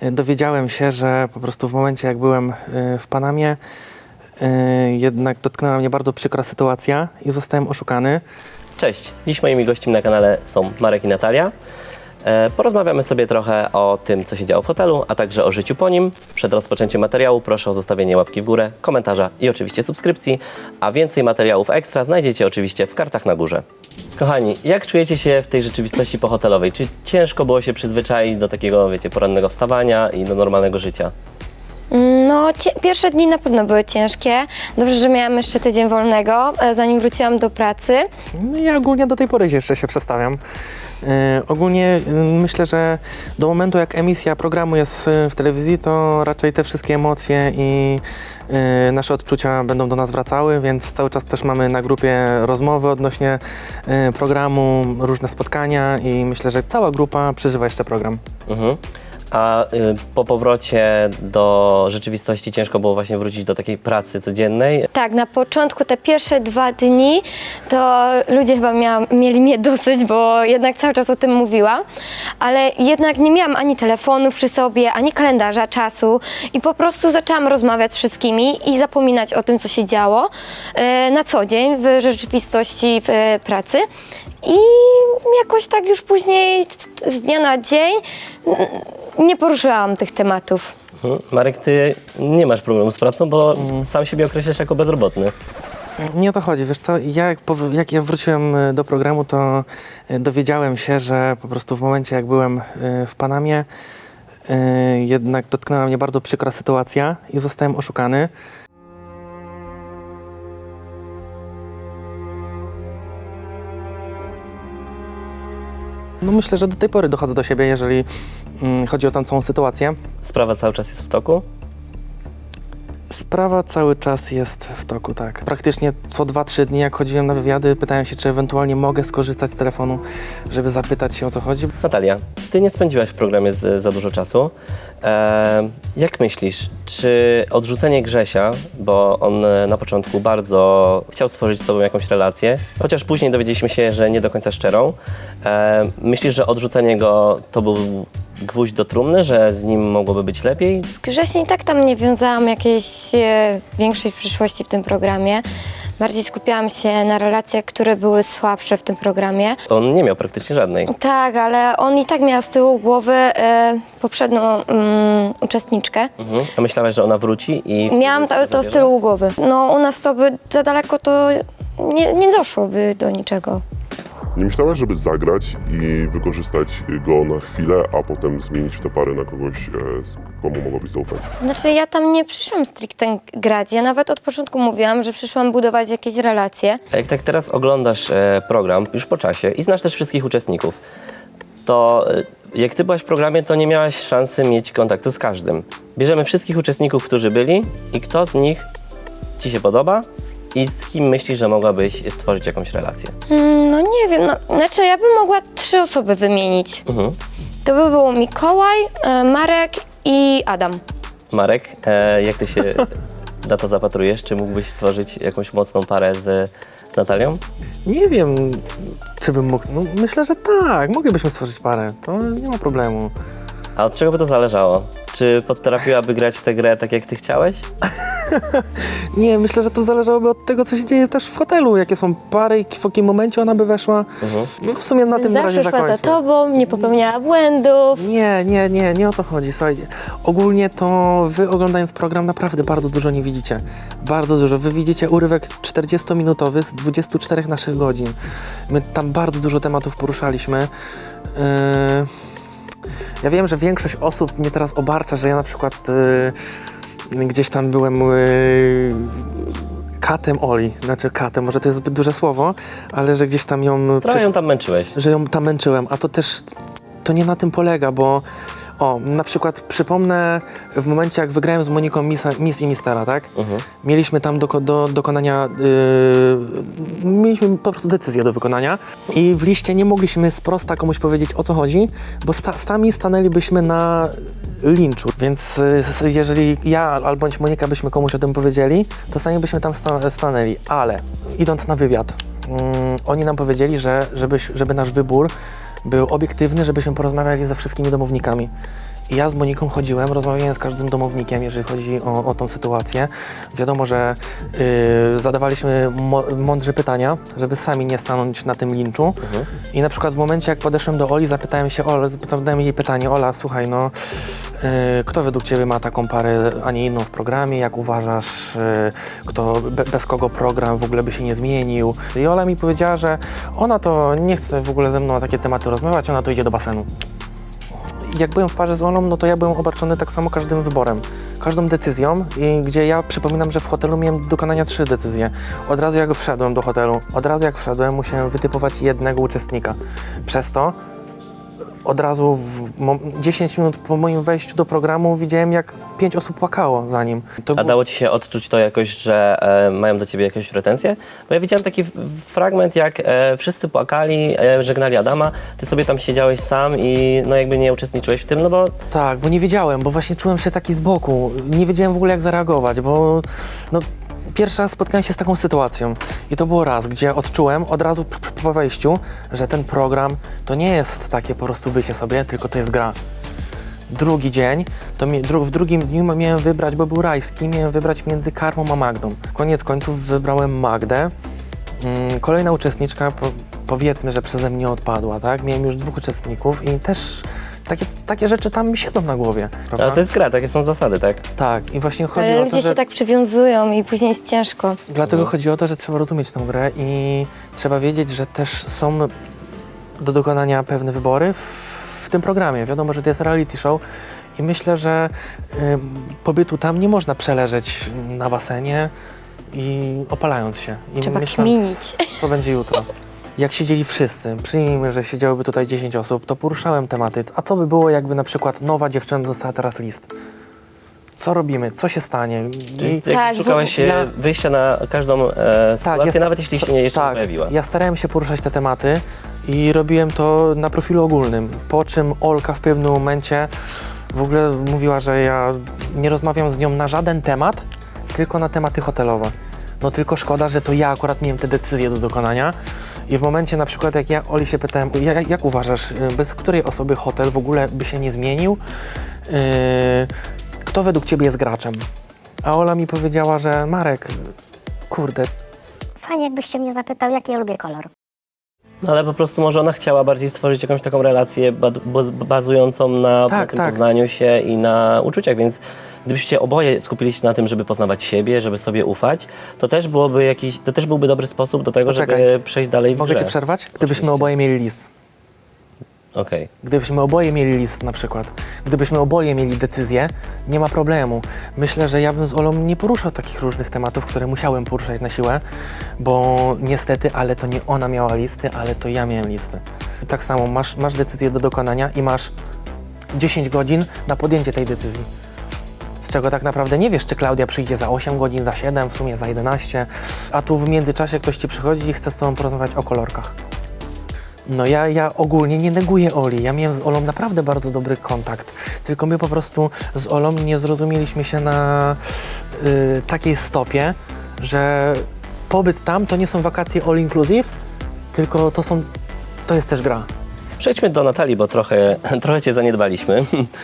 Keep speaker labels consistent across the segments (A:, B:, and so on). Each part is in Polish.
A: dowiedziałem się, że po prostu w momencie, jak byłem w Panamie, jednak dotknęła mnie bardzo przykra sytuacja i zostałem oszukany.
B: Cześć, dziś moimi gośćmi na kanale są Marek i Natalia. Porozmawiamy sobie trochę o tym, co się działo w hotelu, a także o życiu po nim. Przed rozpoczęciem materiału proszę o zostawienie łapki w górę, komentarza i oczywiście subskrypcji, a więcej materiałów ekstra znajdziecie oczywiście w kartach na górze. Kochani, jak czujecie się w tej rzeczywistości pohotelowej? Czy ciężko było się przyzwyczaić do takiego, wiecie, porannego wstawania i do normalnego życia?
C: No, pierwsze dni na pewno były ciężkie. Dobrze, że miałam jeszcze tydzień wolnego, zanim wróciłam do pracy.
A: No ja ogólnie do tej pory jeszcze się przestawiam. Ogólnie myślę, że do momentu, jak emisja programu jest w telewizji, to raczej te wszystkie emocje i nasze odczucia będą do nas wracały, więc cały czas też mamy na grupie rozmowy odnośnie programu, różne spotkania i myślę, że cała grupa przeżywa jeszcze program.
B: A po powrocie do rzeczywistości ciężko było właśnie wrócić do takiej pracy codziennej?
C: Tak, na początku, te pierwsze 2 dni, to ludzie chyba mieli mnie dosyć, bo jednak cały czas o tym mówiłam, ale jednak nie miałam ani telefonów przy sobie, ani kalendarza, czasu i po prostu zaczęłam rozmawiać z wszystkimi i zapominać o tym, co się działo na co dzień w rzeczywistości w pracy. I jakoś tak już później z dnia na dzień nie poruszyłam tych tematów.
B: Marek, ty nie masz problemu z pracą, bo sam siebie określasz jako bezrobotny.
A: Nie o to chodzi, wiesz co, jak ja wróciłem do programu, to dowiedziałem się, że po prostu w momencie, jak byłem w Panamie, jednak dotknęła mnie bardzo przykra sytuacja i zostałem oszukany. No myślę, że do tej pory dochodzę do siebie, jeżeli chodzi o tą całą sytuację.
B: Sprawa cały czas jest w toku?
A: Sprawa cały czas jest w toku, tak. Praktycznie co 2-3 dni, jak chodziłem na wywiady, pytałem się, czy ewentualnie mogę skorzystać z telefonu, żeby zapytać się, o co chodzi.
B: Natalia, ty nie spędziłaś w programie za dużo czasu. Jak myślisz, czy odrzucenie Grzesia, bo on na początku bardzo chciał stworzyć z tobą jakąś relację, chociaż później dowiedzieliśmy się, że nie do końca szczerą, myślisz, że odrzucenie go to był gwóźdź do trumny, że z nim mogłoby być lepiej?
C: Z Grzesiem i tak tam nie wiązałam jakiejś większej przyszłości w tym programie. Bardziej skupiałam się na relacjach, które były słabsze w tym programie.
B: On nie miał praktycznie żadnej.
C: Tak, ale on i tak miał z tyłu głowy poprzednią uczestniczkę.
B: A myślałaś, że ona wróci i...
C: Miałam to z tyłu głowy. No u nas to by za daleko to nie doszłoby do niczego.
D: Nie myślałaś, żeby zagrać i wykorzystać go na chwilę, a potem zmienić tę parę na kogoś, komu mogłabyś zaufać?
C: Znaczy ja tam nie przyszłam stricte grać. Ja nawet od początku mówiłam, że przyszłam budować jakieś relacje.
B: A jak tak teraz oglądasz program już po czasie i znasz też wszystkich uczestników, to jak ty byłaś w programie, to nie miałaś szansy mieć kontaktu z każdym. Bierzemy wszystkich uczestników, którzy byli i kto z nich ci się podoba i z kim myślisz, że mogłabyś stworzyć jakąś relację?
C: No nie wiem, znaczy ja bym mogła 3 osoby wymienić. To by było Mikołaj, Marek i Adam.
B: Marek, jak ty się na to zapatrujesz? Czy mógłbyś stworzyć jakąś mocną parę z Natalią?
A: Nie wiem, czy bym mógł. No, myślę, że tak, moglibyśmy stworzyć parę, to nie ma problemu.
B: A od czego by to zależało? Czy potrafiłaby grać w tę grę tak, jak ty chciałeś?
A: Nie, myślę, że to zależałoby od tego, co się dzieje też w hotelu, jakie są pary i w jakim momencie ona by weszła. No w sumie na tym na razie
C: Zawsze szła za
A: zakończę.
C: tobą, nie popełniała błędów.
A: Nie o to chodzi, słuchajcie. Ogólnie to wy oglądając program naprawdę bardzo dużo nie widzicie. Bardzo dużo. Wy widzicie urywek 40-minutowy z 24 naszych godzin. My tam bardzo dużo tematów poruszaliśmy. Ja wiem, że większość osób mnie teraz obarcza, że ja na przykład gdzieś tam byłem katem Oli, znaczy katem, może to jest zbyt duże słowo, ale że gdzieś tam ją...
B: Trochę ją tam męczyłeś.
A: Że ją tam męczyłem, a to też, to nie na tym polega, bo na przykład przypomnę w momencie, jak wygrałem z Moniką Miss i Mistera, tak? Mieliśmy tam do dokonania, mieliśmy po prostu decyzję do wykonania i w liście nie mogliśmy z prosta komuś powiedzieć, o co chodzi, bo sami stanęlibyśmy na linczu, więc jeżeli ja albo bądź Monika byśmy komuś o tym powiedzieli, to sami byśmy tam stanęli, ale idąc na wywiad, oni nam powiedzieli, że żeby nasz wybór był obiektywny, żebyśmy porozmawiali ze wszystkimi domownikami. I ja z Moniką chodziłem, rozmawiałem z każdym domownikiem, jeżeli chodzi o tą sytuację. Wiadomo, że zadawaliśmy mądrze pytania, żeby sami nie stanąć na tym linczu. I na przykład w momencie, jak podeszłem do Oli, zadałem jej pytanie: Ola, słuchaj, no kto według Ciebie ma taką parę, a nie inną w programie? Jak uważasz, bez kogo program w ogóle by się nie zmienił? I Ola mi powiedziała, że ona to nie chce w ogóle ze mną na takie tematy rozmawiać, ona to idzie do basenu. Jak byłem w parze z Olą, no to ja byłem obarczony tak samo każdym wyborem, każdą decyzją, gdzie ja przypominam, że w hotelu miałem do dokonania 3 decyzje. Od razu jak wszedłem do hotelu, musiałem wytypować jednego uczestnika. Przez to od razu 10 minut po moim wejściu do programu widziałem, jak 5 osób płakało za nim.
B: A dało ci się odczuć to jakoś, że mają do ciebie jakieś pretensje? Bo ja widziałem taki fragment, jak wszyscy płakali, żegnali Adama, ty sobie tam siedziałeś sam i no jakby nie uczestniczyłeś w tym, no bo...
A: Tak, bo nie wiedziałem, bo właśnie czułem się taki z boku. Nie wiedziałem w ogóle, jak zareagować, bo no, pierwszy raz spotkałem się z taką sytuacją i to było raz, gdzie odczułem od razu po wejściu, że ten program to nie jest takie po prostu bycie sobie, tylko to jest gra. Drugi dzień, w drugim dniu miałem wybrać, bo był rajski, miałem wybrać między Karmą a Magdą. Koniec końców wybrałem Magdę. Kolejna uczestniczka, powiedzmy, że przeze mnie odpadła, tak? Miałem już 2 uczestników i też takie rzeczy tam mi siedzą na głowie. Prawda?
B: Ale to jest gra, takie są zasady, tak?
A: Tak, i właśnie chodzi
C: Ale
A: o
C: ludzie
A: to, że...
C: się tak przywiązują i później jest ciężko.
A: Dlatego chodzi o to, że trzeba rozumieć tę grę i trzeba wiedzieć, że też są do dokonania pewne wybory w tym programie. Wiadomo, że to jest reality show i myślę, że pobytu tam nie można przeleżeć na basenie i opalając się. I
C: Trzeba
A: myśląc,
C: kminić.
A: co będzie jutro. Jak siedzieli wszyscy, przyjmijmy, że siedziałoby tutaj 10 osób, to poruszałem tematy. A co by było, jakby na przykład nowa dziewczyna dostała teraz list? Co robimy? Co się stanie?
B: Czyli jak
C: Tak,
B: szukałeś wyjścia na każdą sytuację, nawet jeśli się jeszcze nie pojawiła.
A: Ja starałem się poruszać te tematy i robiłem to na profilu ogólnym, po czym Olka w pewnym momencie w ogóle mówiła, że ja nie rozmawiam z nią na żaden temat, tylko na tematy hotelowe. No tylko szkoda, że to ja akurat miałem te decyzje do dokonania i w momencie na przykład jak ja Oli się pytałem, jak uważasz, bez której osoby hotel w ogóle by się nie zmienił? Kto według Ciebie jest graczem? A Ola mi powiedziała, że Marek, kurde,
E: Fajnie, jakbyś się mnie zapytał, jaki ja lubię kolor.
B: No ale po prostu może ona chciała bardziej stworzyć jakąś taką relację bazującą na tym poznaniu się i na uczuciach, więc gdybyście oboje skupili się na tym, żeby poznawać siebie, żeby sobie ufać, to też byłby dobry sposób do tego, żeby przejść dalej w grze.
A: Mogę Cię przerwać? Gdybyśmy
B: Oczywiście.
A: oboje mieli list.
B: Okej.
A: Gdybyśmy oboje mieli list na przykład, gdybyśmy oboje mieli decyzję, nie ma problemu. Myślę, że ja bym z Olą nie poruszał takich różnych tematów, które musiałem poruszać na siłę, bo niestety, ale to nie ona miała listy, ale to ja miałem listy. I tak samo masz decyzję do dokonania i masz 10 godzin na podjęcie tej decyzji. Z czego tak naprawdę nie wiesz, czy Klaudia przyjdzie za 8 godzin, za 7, w sumie za 11, a tu w międzyczasie ktoś Ci przychodzi i chce z Tobą porozmawiać o kolorkach. No ja ogólnie nie neguję Oli, ja miałem z Olą naprawdę bardzo dobry kontakt, tylko my po prostu z Olą nie zrozumieliśmy się na takiej stopie, że pobyt tam to nie są wakacje all inclusive, tylko to jest też gra.
B: Przejdźmy do Natalii, bo trochę Cię zaniedbaliśmy.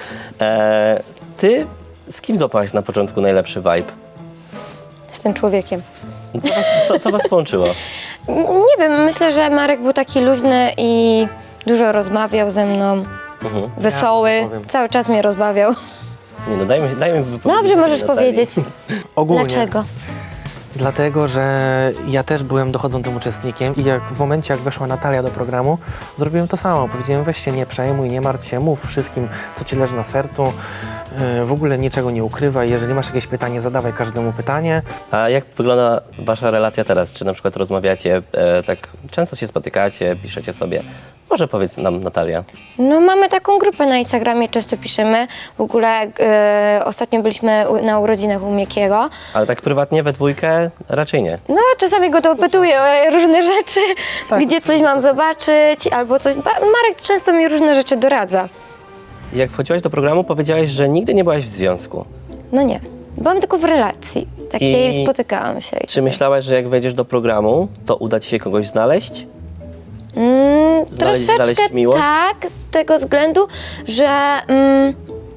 B: Ty z kim złapałaś na początku najlepszy vibe?
C: Z tym człowiekiem.
B: Co was połączyło?
C: Nie wiem, myślę, że Marek był taki luźny i dużo rozmawiał ze mną. Wesoły,
A: Ja powiem.
C: cały czas mnie rozbawiał.
B: Nie no, daj mi wypowiedzieć.
C: Dobrze, możesz
B: Natalii.
C: powiedzieć.
A: Ogólnie.
C: Dlaczego?
A: Dlatego, że ja też byłem dochodzącym uczestnikiem i w momencie, jak weszła Natalia do programu, zrobiłem to samo. Powiedziałem, weź się nie przejmuj, nie martw się, mów wszystkim, co Ci leży na sercu, w ogóle niczego nie ukrywaj, jeżeli masz jakieś pytanie, zadawaj każdemu pytanie.
B: A jak wygląda wasza relacja teraz? Czy na przykład rozmawiacie, tak często się spotykacie, piszecie sobie? Może powiedz nam, Natalia.
C: No mamy taką grupę na Instagramie, często piszemy. W ogóle ostatnio byliśmy na urodzinach u Miekiego.
B: Ale tak prywatnie, we dwójkę raczej nie.
C: No czasami go dopytuję o różne rzeczy, gdzie coś mam zobaczyć albo coś. Marek często mi różne rzeczy doradza.
B: Jak wchodziłaś do programu, powiedziałaś, że nigdy nie byłaś w związku.
C: No nie, byłam tylko w relacji. Takiej spotykałam się.
B: Czy myślałaś, że jak wejdziesz do programu, to uda ci się kogoś znaleźć? znaleźć
C: Troszeczkę
B: miłość?
C: tak, z tego względu, że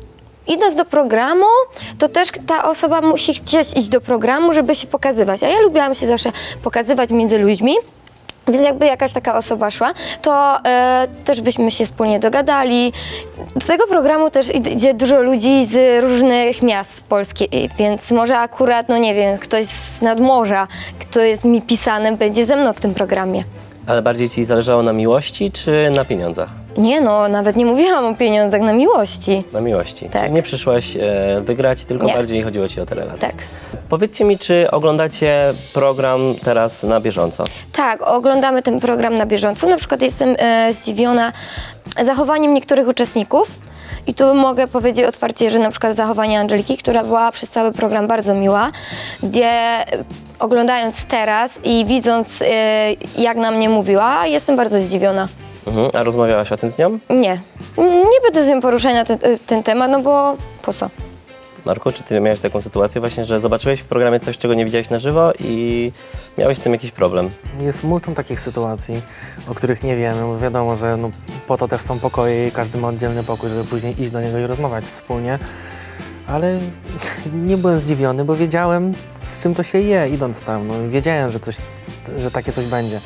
C: idąc do programu, to też ta osoba musi chcieć iść do programu, żeby się pokazywać. A ja lubiłam się zawsze pokazywać między ludźmi. Więc jakby jakaś taka osoba szła, to też byśmy się wspólnie dogadali. Do tego programu też idzie dużo ludzi z różnych miast Polski, więc może akurat, no nie wiem, ktoś z nadmorza, kto jest mi pisany, będzie ze mną w tym programie.
B: Ale bardziej ci zależało na miłości czy na pieniądzach?
C: Nie no, nawet nie mówiłam o pieniądzach, na miłości.
B: Na miłości.
C: Tak.
B: Czyli nie przyszłaś wygrać, tylko
C: Nie.
B: bardziej chodziło ci o te relacje.
C: Tak.
B: Powiedzcie mi, czy oglądacie program teraz na bieżąco?
C: Tak, oglądamy ten program na bieżąco. Na przykład jestem zdziwiona zachowaniem niektórych uczestników. I tu mogę powiedzieć otwarcie, że na przykład zachowanie Angeliki, która była przez cały program bardzo miła, gdzie oglądając teraz i widząc jak na mnie mówiła, jestem bardzo zdziwiona.
B: Mhm. A rozmawiałaś o tym z nią?
C: Nie będę z nią poruszać na ten temat, no bo po co?
B: Marku, czy ty miałeś taką sytuację właśnie, że zobaczyłeś w programie coś, czego nie widziałeś na żywo i miałeś z tym jakiś problem?
A: Jest multum takich sytuacji, o których nie wiemy, bo wiadomo, że no, po to też są pokoje i każdy ma oddzielny pokój, żeby później iść do niego i rozmawiać wspólnie. Ale nie byłem zdziwiony, bo wiedziałem, z czym to się je, idąc tam. No, wiedziałem, że takie coś będzie.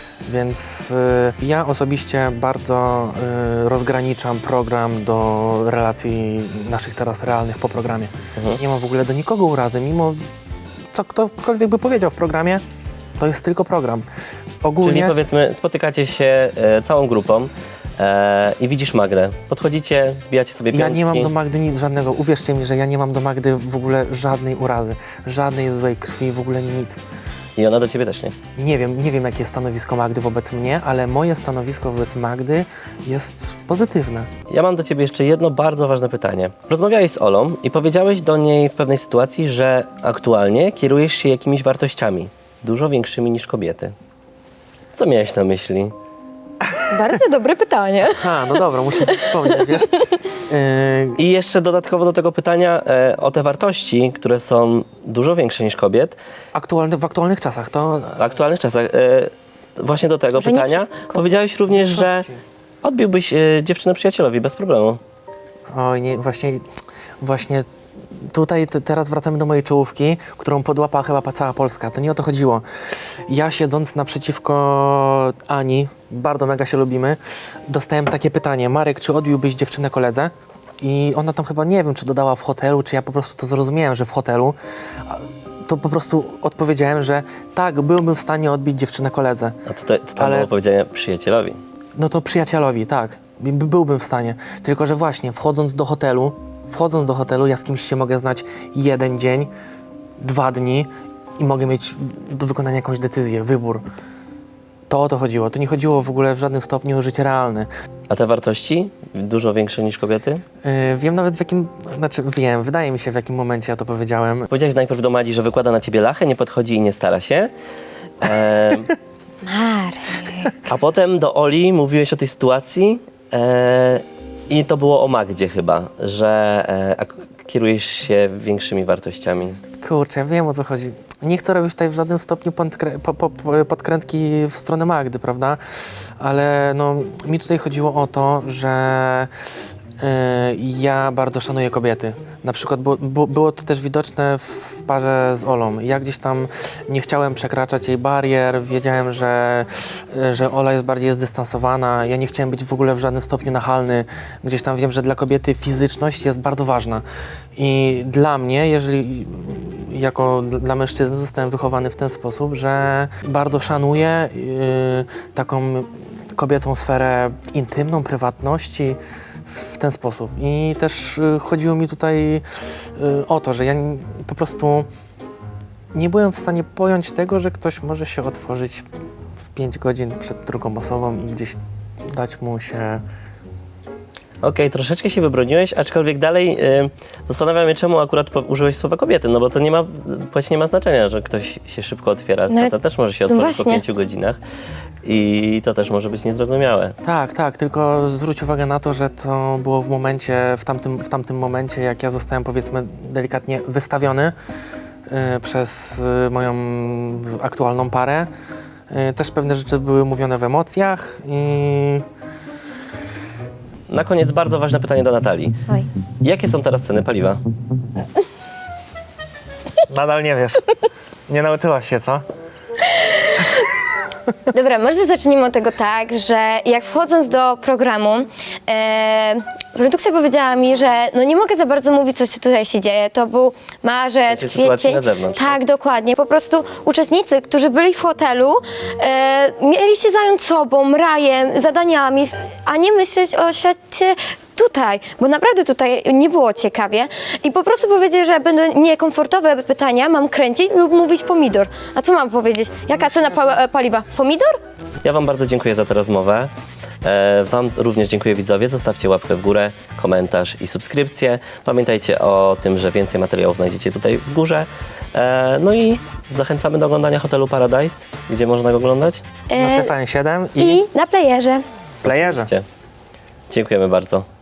A: Więc ja osobiście bardzo rozgraniczam program do relacji naszych teraz realnych po programie. Nie mam w ogóle do nikogo urazy, mimo co ktokolwiek by powiedział w programie, to jest tylko program. Ogólnie
B: Czyli powiedzmy, spotykacie się całą grupą i widzisz Magdę. Podchodzicie, zbijacie sobie piątki.
A: ja nie mam do Magdy nic żadnego, uwierzcie mi, że ja nie mam do Magdy w ogóle żadnej urazy, żadnej złej krwi, w ogóle nic.
B: I ona do ciebie też nie.
A: Nie wiem jakie jest stanowisko Magdy wobec mnie, ale moje stanowisko wobec Magdy jest pozytywne.
B: Ja mam do ciebie jeszcze jedno bardzo ważne pytanie. Rozmawiałeś z Olą i powiedziałeś do niej w pewnej sytuacji, że aktualnie kierujesz się jakimiś wartościami, dużo większymi niż kobiety. Co miałeś na myśli?
C: Bardzo dobre pytanie.
A: No dobra, muszę sobie wspomnieć, wiesz.
B: I jeszcze dodatkowo do tego pytania o te wartości, które są dużo większe niż kobiet,
A: W aktualnych czasach to...
B: w aktualnych czasach. Właśnie do tego
C: Że nie
B: pytania
C: wszystko.
B: powiedziałeś również, że odbiłbyś dziewczynę przyjacielowi bez problemu.
A: Oj, nie, właśnie tutaj teraz wracamy do mojej czołówki, którą podłapała chyba cała Polska. To nie o to chodziło. Ja siedząc naprzeciwko Ani, bardzo mega się lubimy, dostałem takie pytanie: Marek, czy odbiłbyś dziewczynę koledze? I ona tam chyba, nie wiem, czy dodała w hotelu, czy ja po prostu to zrozumiałem, że w hotelu. To po prostu odpowiedziałem, że tak, byłbym w stanie odbić dziewczynę koledze.
B: A to tam
A: Ale-
B: było powiedziane przyjacielowi.
A: No to przyjacielowi, tak. Byłbym w stanie. Tylko że właśnie wchodząc do hotelu, ja z kimś się mogę znać 1 dzień, 2 dni i mogę mieć do wykonania jakąś decyzję, wybór. To o to chodziło. To nie chodziło w ogóle w żadnym stopniu o życie realne.
B: A te wartości dużo większe niż kobiety?
A: Wiem nawet wydaje mi się w jakim momencie ja to powiedziałem.
B: Powiedziałeś najpierw do Madzi, że wykłada na ciebie lachę, nie podchodzi i nie stara się.
C: Marek.
B: A potem do Oli mówiłeś o tej sytuacji i to było o Magdzie chyba, że kierujesz się większymi wartościami.
A: Kurczę, ja wiem o co chodzi. Nie chcę robić tutaj w żadnym stopniu podkrętki w stronę Magdy, prawda? Ale no, mi tutaj chodziło o to, że ja bardzo szanuję kobiety. Na przykład było to też widoczne w parze z Olą. Ja gdzieś tam nie chciałem przekraczać jej barier, wiedziałem, że Ola jest bardziej zdystansowana. Ja nie chciałem być w ogóle w żadnym stopniu nachalny. Gdzieś tam wiem, że dla kobiety fizyczność jest bardzo ważna. I dla mnie, jeżeli dla mężczyzny zostałem wychowany w ten sposób, że bardzo szanuję taką kobiecą sferę intymną, prywatności w ten sposób. I też chodziło mi tutaj o to, że ja po prostu nie byłem w stanie pojąć tego, że ktoś może się otworzyć w 5 godzin przed drugą osobą i gdzieś dać mu się...
B: Okej, troszeczkę się wybroniłeś, aczkolwiek dalej zastanawiam się, czemu akurat użyłeś słowa kobiety, no bo to płeć nie ma znaczenia, że ktoś się szybko otwiera.
C: No,
B: Facet też może się
C: no
B: otworzyć po
C: właśnie.
B: 5 godzinach i to też może być niezrozumiałe.
A: Tak, tylko zwróć uwagę na to, że to było w tamtym momencie, jak ja zostałem, powiedzmy, delikatnie wystawiony przez moją aktualną parę. Też pewne rzeczy były mówione w emocjach i...
B: Na koniec bardzo ważne pytanie do Natalii.
C: Oj.
B: Jakie są teraz ceny paliwa?
A: Nadal nie wiesz. Nie nauczyłaś się, co?
C: Dobra, może zacznijmy od tego tak, że jak wchodząc do programu, produkcja powiedziała mi, że no nie mogę za bardzo mówić, co tutaj się dzieje. To był marzec,
B: Wiecie, sytuacji
C: kwiecień.
B: na zewnątrz.
C: Tak, dokładnie. Po prostu uczestnicy, którzy byli w hotelu, mieli się zająć sobą, rajem, zadaniami, a nie myśleć o świecie tutaj, bo naprawdę tutaj nie było ciekawie i po prostu powiedzieli, że będą niekomfortowe pytania, mam kręcić lub mówić pomidor. A co mam powiedzieć? Jaka cena paliwa? Pomidor?
B: Ja Wam bardzo dziękuję za tę rozmowę. Wam również dziękuję widzowie. Zostawcie łapkę w górę, komentarz i subskrypcję. Pamiętajcie o tym, że więcej materiałów znajdziecie tutaj w górze. No i zachęcamy do oglądania Hotelu Paradise. Gdzie można go oglądać?
A: Na TVN7
C: I na playerze.
A: w playerze.
B: Dziękujemy bardzo.